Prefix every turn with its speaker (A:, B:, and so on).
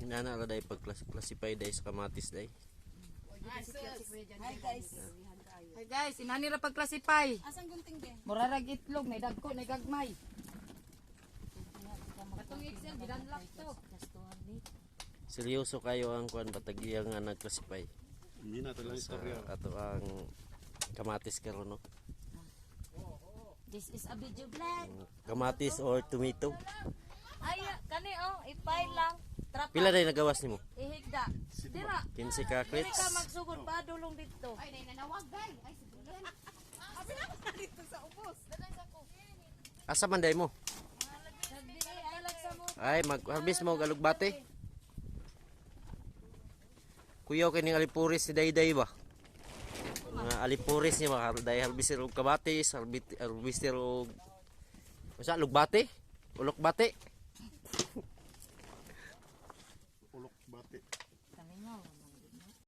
A: Nana ra day pag-classify day sa kamatis day.
B: Hi guys.
C: Hey guys, inani ra pag-classify.
B: Asang gunting be?
C: Murarag itlog, may dagko, may gagmay. Katong Excel, bidanlak to.
A: Seryoso kayo ang kuan batagya nga nag-classify.
D: Hindi na ito lang
A: Sa
D: istorya.
A: ato ang kamatis karon no.
E: This is a video vlog.
A: Kamatis or tomato.
E: Ay, kani oh, ipay lang. Trapa.
A: Pila day nagawas nimo?
E: Ihigda. Dira.
A: 15 ka
E: Diri
A: clips.
E: ka magsugod pa dulong dito.
B: Ay, nanawag guys. Ay, sibulan. Abi na ko dito sa ubos. Dadan sa ko.
A: Asa man day mo?
E: Nagdiri ay lag sa mo.
A: Ay mag-harvest mo galugbate. Kuyaw kining alipuris ni Dayday ba? Mga alipuris niya mga day harvester og kamatis, harvester og usa lugbate? Ulok bate?
D: Ulok bate.